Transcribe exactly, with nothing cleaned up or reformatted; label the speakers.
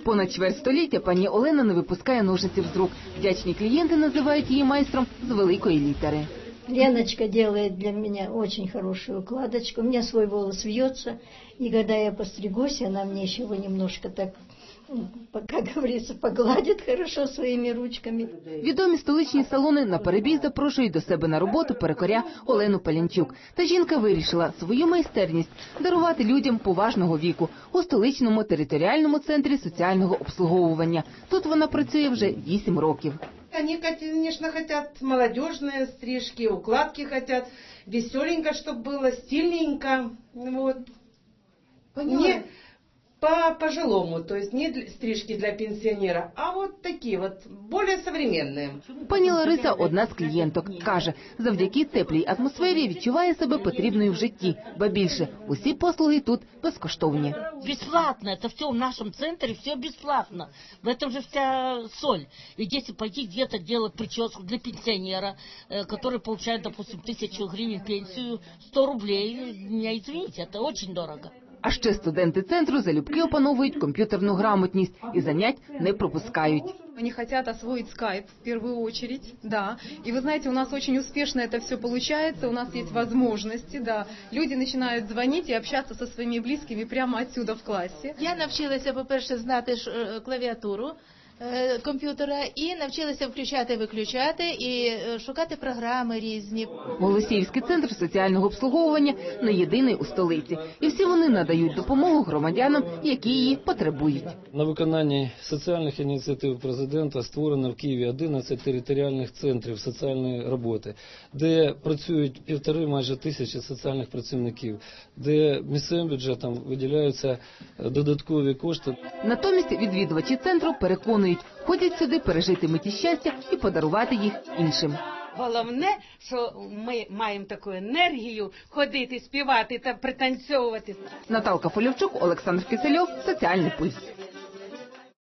Speaker 1: Понад чверть століття пані Олена не випускає ножиців з рук. Вдячні клієнти називають її майстром з великої літери.
Speaker 2: Леночка делает для меня очень хорошую укладочку. У меня свой волос вьется, и когда я постригусь, она мне еще его немножко так, как говорится, погладит хорошо своими ручками.
Speaker 1: Відомі столичні салони на перебій запрошують до себе на роботу перукаря Олену Палянчук. Та жінка вирішила свою майстерність дарувати людям поважного віку у столичному територіальному центрі соціального обслуговування. Тут вона працює вже вісім років.
Speaker 3: Они, конечно, хотят молодежные стрижки, укладки хотят, веселенько, чтобы было, стильненько, вот. Не по пожилому, то есть не для, стрижки для пенсионера, а вот такие вот, более современные.
Speaker 1: Пані Лариса – одна з клієнток. Каже, завдяки теплій атмосфері відчуває себе потрібною в житті. Ба більше, усі послуги тут безкоштовні.
Speaker 4: Бесплатно, это все в нашем центре, все бесплатно. В этом же вся соль. Ведь если пойти где-то делать прическу для пенсионера, который получает, допустим, тысячу гривен пенсию, сто рублей, меня извините, это очень дорого.
Speaker 1: А ще студенти центру залюбки опановують комп'ютерну грамотність і занять не пропускають.
Speaker 5: Они хотят освоить скайп в первую очередь, да. И вы знаете, у нас очень успешно это все получается, у нас есть возможности, да. Люди начинают звонить и общаться со своими близкими прямо отсюда в классе.
Speaker 6: Я навчилася, по-перше, знати клавіатуру комп'ютера і навчилася включати-виключати і шукати програми різні.
Speaker 1: Голосіївський центр соціального обслуговування не єдиний у столиці. І всі вони надають допомогу громадянам, які її потребують.
Speaker 7: На виконанні соціальних ініціатив президента створено в Києві одинадцять територіальних центрів соціальної роботи, де працюють півтори майже тисячі соціальних працівників, де місцевим бюджетом виділяються додаткові кошти.
Speaker 1: Натомість відвідувачі центру переконують, ходять сюди пережити миті щастя і подарувати їх іншим.
Speaker 8: Головне, що ми маємо таку енергію ходити, співати та пританцьовувати.
Speaker 1: Наталка Фолівчук, Олександр Кисельов, Соціальний пульс.